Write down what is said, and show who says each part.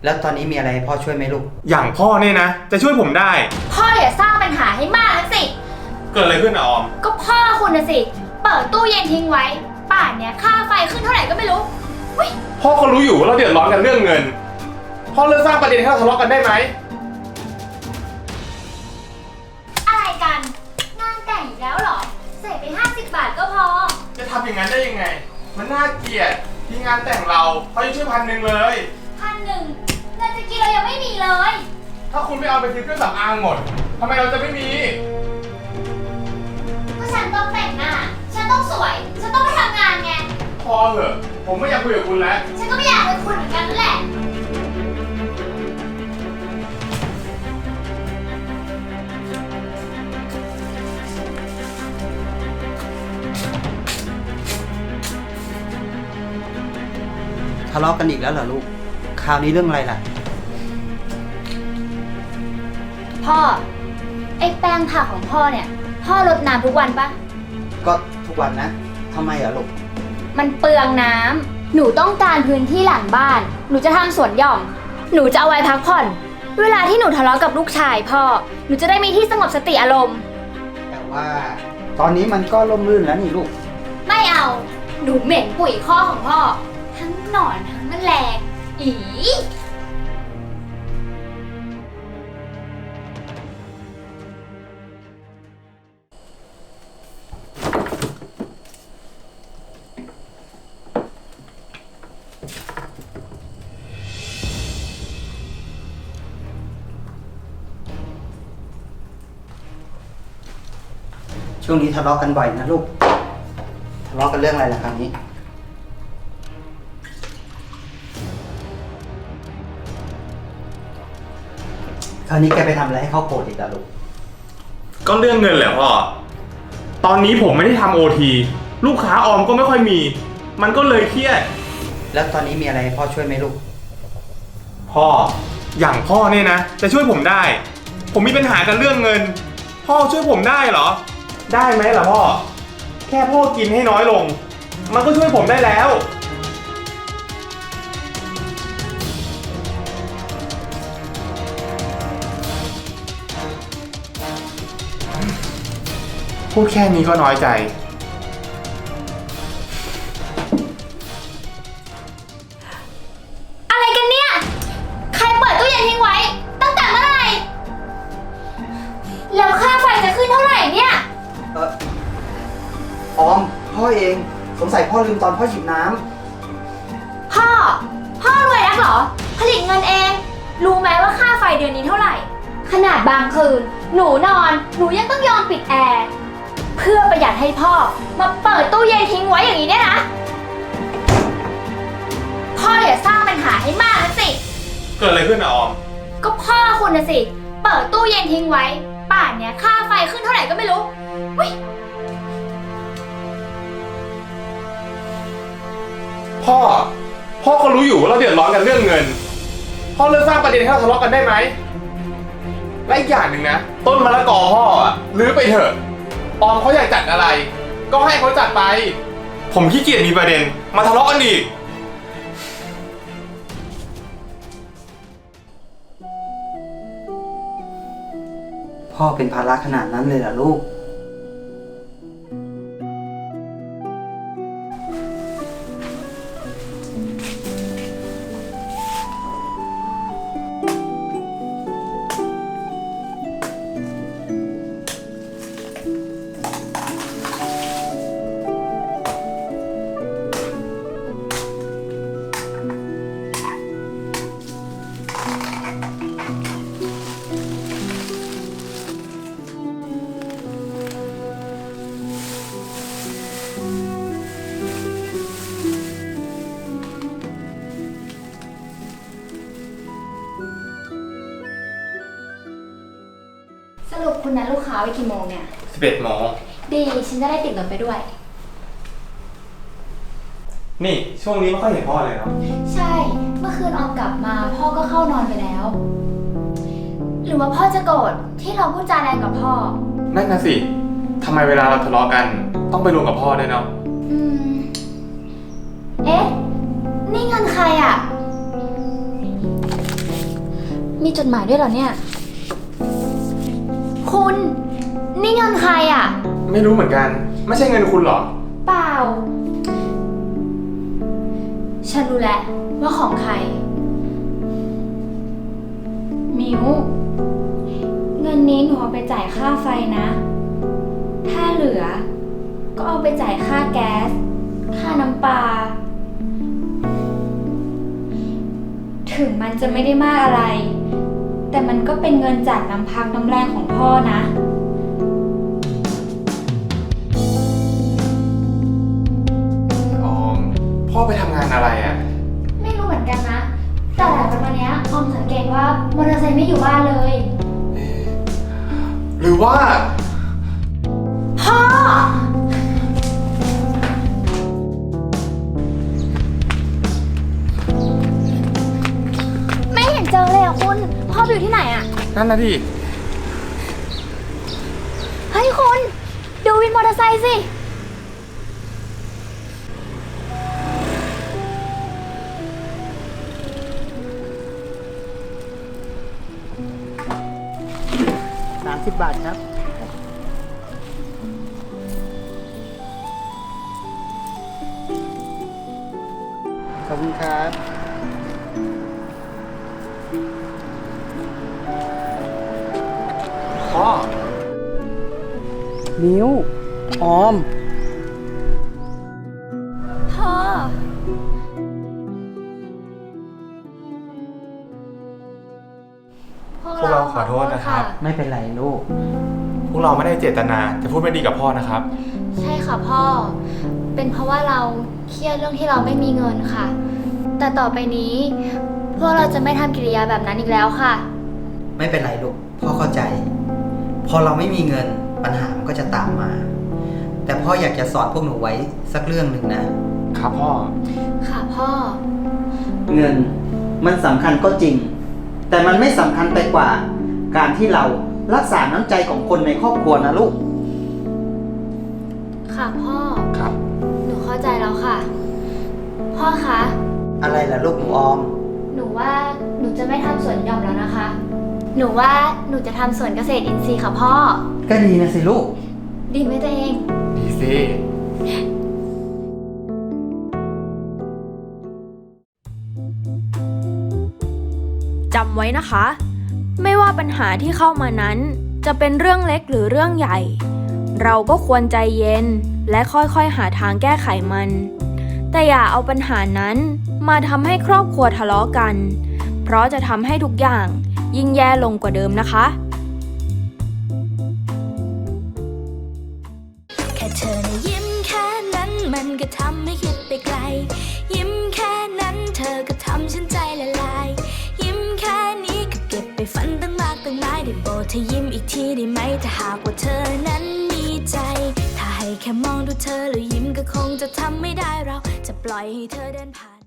Speaker 1: แล้วตอนนี้มีอะไรให้พ่อช่วยไหมลูก
Speaker 2: อย่างพ่อเนี่ยนะจะช่วยผมได้
Speaker 3: พ่ออย่าสร้างปัญหาให้มากนักสิ
Speaker 2: เกิดอะไรขึ้นอะออม
Speaker 3: ก็พ่อคุณนะสิเปิดตู้เย็นทิ้งไว้ป่านเนี้ยค่าไฟขึ้นเท่าไหร่ก็ไม่รู้
Speaker 2: พ่อเขารู้อยู่ว่าเราเดือดร้อนกันเรื่องเงินพ่อเลิกสร้างประเด็นให้เราทะเลาะกันได้ไหม
Speaker 3: อะไรกันงานแต่งอีกแล้วเหรอใส่ไป50 บาทก็พอ
Speaker 2: จะทำอย่างนั้นได้ยังไงมันน่าเกลียดที่งานแต่งเราเขายังช่วย1,000เลย
Speaker 3: 1,000เงินจะกินเรายังไม่มีเลย
Speaker 2: ถ้าคุณไม่เอาไปซื้อเครื่องสำอางหมดทำไมเราจะไม่มี
Speaker 3: ก็ฉันต้องแต่งหน้าฉันต้องสวยฉันต้องไปทำงานไง
Speaker 2: พอเถอะผมไม่อยากคุยกับคุณแล้ว
Speaker 3: ฉันก็ไม่อยากเป็นคุณเหมือนกันนั่นแหละ
Speaker 1: ทะเลาะกันอีกแล้วเหรอลูกคราวนี้เรื่องอะไรล่ะ
Speaker 3: พ่อไอ้แป้งผักของพ่อเนี่ยพ่อรดน้ำทุกวันปะ
Speaker 1: ก็ทุกวันนะทำไมอะลูก
Speaker 3: มันเปลืองน้ำหนูต้องการพื้นที่หลังบ้านหนูจะทำสวนหย่อมหนูจะเอาไว้พักผ่อนเวลาที่หนูทะเลาะกับลูกชายพ่อหนูจะได้มีที่สงบสติอารมณ์
Speaker 1: แต่ว่าตอนนี้มันก็ร่มรื่นแล้วนี่ลูก
Speaker 3: ไม่เอาหนูเหม็นปุ๋ยข้อของพ่อทั้งหนอนทั้งแมลงอี
Speaker 1: ช่วงนี้ทะเลาะกันบ่อยนะลูกทะเลาะกันเรื่องอะไรล่ะคราวนี้แกไปทำอะไรให้เขาโกรธอีกล่ะลูก
Speaker 2: ก็เรื่องเงินแหละพ่อตอนนี้ผมไม่ได้ทำโอทีลูกค้าออมก็ไม่ค่อยมีมันก็เลยเครียด
Speaker 1: แล้วตอนนี้มีอะไรให้พ่อช่วยไหมลูก
Speaker 2: พ่ออย่างพ่อเนี่ยนะจะช่วยผมได้ผมมีปัญหากันเรื่องเงินพ่อช่วยผมได้เหรอได้ไหมล่ะพ่อแค่พ่อกินให้น้อยลงมันก็ช่วยผมได้แล้วพูดแค่นี้ก็น้อยใจ
Speaker 3: อะไรกันเนี่ยใครเปิดตู้เย็นทิ้งไว้ตั้งแต่เมื่อไหร่แล้วค่าไฟจะขึ้นเท่าไหร่เนี่ย
Speaker 1: ออมพ่อเองสงสัยพ่อลืมตอนพ่อหยิบน้ำ
Speaker 3: พ่อรวยนักเหรอผลิตเงินเองรู้ไหมว่าค่าไฟเดือนนี้เท่าไหร่ขนาดบางคืนหนูนอนหนูยังต้องยอมปิดแอร์เพื่อประหยัดให้พ่อมาเปิดตู้เย็นทิ้งไว้อย่างนี้เนี่ยนะพ่ออย่าสร้างปัญหาให้มากนักสิ
Speaker 2: เกิดอะไรขึ้นอะออม
Speaker 3: ก็พ่อคุณนะสิเปิดตู้เย็นทิ้งไว้ป่านเนี้ยค่าไฟขึ้นเท่าไหร่ก็ไม่รู้
Speaker 2: พ่อเขารู้อยู่ว่าเราเดือดร้อนกันเรื่องเงินพ่อเลิกสร้างประเด็นให้เราทะเลาะกันได้ไหมและอีกอย่างหนึ่งนะต้นมะละกอพ่ออะรื้อไปเถอะออมเขาอยากจัดอะไรก็ให้เขาจัดไปผมขี้เกียจมีประเด็นมาทะเลาะกันอีก
Speaker 1: พ่อเป็นภาระขนาดนั้นเลยเหรอลูก
Speaker 3: สรุปคุณนัดลูกค้าไว้กี่โมงเนี่ย
Speaker 2: 11 โมง
Speaker 3: ดีฉันจะได้ติดรถไปด้วย
Speaker 2: นี่ช่วงนี้ไม่ค่อยเห็นพ่อเลยเนาะ
Speaker 3: ใช่เมื่อคืนออมกลับมาพ่อก็เข้านอนไปแล้วหรือว่าพ่อจะโกรธที่เราพูดจาแรงกับพ่อ
Speaker 2: นั่นนะสิทำไมเวลาเราทะเลาะกันต้องไปรวมกับพ่อด้วยเนาะ
Speaker 3: เอ๊ะนี่เงินใครอ่ะมีจดหมายด้วยเหรอเนี่ย คุณ นี่เงินใครอ่ะ
Speaker 2: ไม่รู้เหมือนกัน ไม่ใช่เงินคุณหรอ
Speaker 3: เปล่า ฉันรู้แล้วว่าของใคร มิวเงินนี้หนูเอาไปจ่ายค่าไฟนะ ถ้าเหลือ ก็เอาไปจ่ายค่าแก๊ส ค่าน้ำปลา ถึงมันจะไม่ได้มากอะไร แต่มันก็เป็นเงินจากน้ำพักน้ำแรงของพ่อนะ
Speaker 2: ออม พ่อไปทำงานอะไรอ่ะ
Speaker 3: ไม่รู้เหมือนกันนะ แต่หลังจากวันเนี้ยออมสังเกตว่ามอเตอร์ไซค์ไม่อยู่บ้านเลย
Speaker 2: หรือว่า
Speaker 3: พ่อ ไม่เห็นเจอเลยอ่ะคุณ พ่อไปอยู่ที่ไหนอ่ะ
Speaker 2: นั่นนะดิ
Speaker 3: เฮ้ยคุณ ดูวินมอเตอร์ไซค์สิ
Speaker 1: 30 บาทครับ ขอบคุณครับ
Speaker 2: พ่อ
Speaker 1: นิ้ว ออม
Speaker 3: พ่อ
Speaker 2: พวกเราขอโทษนะครับ
Speaker 1: ไม่เป็นไรลูก
Speaker 2: พวกเราไม่ได้เจตนาจะพูดไม่ดีกับพ่อนะครับ
Speaker 3: ใช่ค่ะพ่อ เป็นเพราะว่าเราเครียดเรื่องที่เราไม่มีเงินค่ะ แต่ต่อไปนี้ พวกเราจะไม่ทำกิริยาแบบนั้นอีกแล้วค่ะ
Speaker 1: ไม่เป็นไรลูก พ่อเข้าใจ พอเราไม่มีเงินปัญหามันก็จะตามมา แต่พ่ออยากจะสอนพวกหนูไว้สักเรื่องหนึ่งนะ
Speaker 2: ครับพ่อ
Speaker 3: ค่ะพ่อ
Speaker 1: เงินมันสำคัญก็จริง แต่มันไม่สำคัญไปกว่า การที่เรารักษาน้ำใจของคนในครอบครัวนะลูก
Speaker 3: ค่ะพ่อ
Speaker 2: ครับ
Speaker 3: หนูเข้าใจแล้วค่ะ พ่อคะ
Speaker 1: อะไรล่ะลูกหนูออม
Speaker 3: หนูว่าหนูจะไม่ทำสวนหย่อมแล้วนะคะ หนูว่าหนูจะทำสวนเกษตรอินทรีย์ค่ะพ่อ
Speaker 1: ก็ดีนะสิลูก
Speaker 3: ดีไหมตัวเอง
Speaker 2: ดีสิ
Speaker 4: จำไว้นะคะ ไม่ว่าปัญหาที่เข้ามานั้นจะเป็นเรื่องเล็กหรือเรื่องใหญ่ เราก็ควรใจเย็นและค่อยๆหาทางแก้ไขมัน แต่อย่าเอาปัญหานั้นมาทำให้ครอบครัวทะเลาะกัน เพราะจะทำให้ทุกอย่างยิ่งแย่ลงกว่าเดิมนะคะ
Speaker 5: แค่เธอนะยิ้มแค่นั้นมันก็ทำให้คิดไปไกล ยิ้มแค่นั้นเธอก็ทำฉันใจละลาย ยิ้มแค่นี้ก็เก็บไปฝันตั้งมากตั้งหลายได้โปรดเธอยิ้มอีกทีได้ไหมถ้าหากว่าเธอนั้นมีใจ ถ้าให้แค่มองดูเธอแล้วยิ้มก็คงจะทำไม่ได้เราจะปล่อยให้เธอเดินผ่าน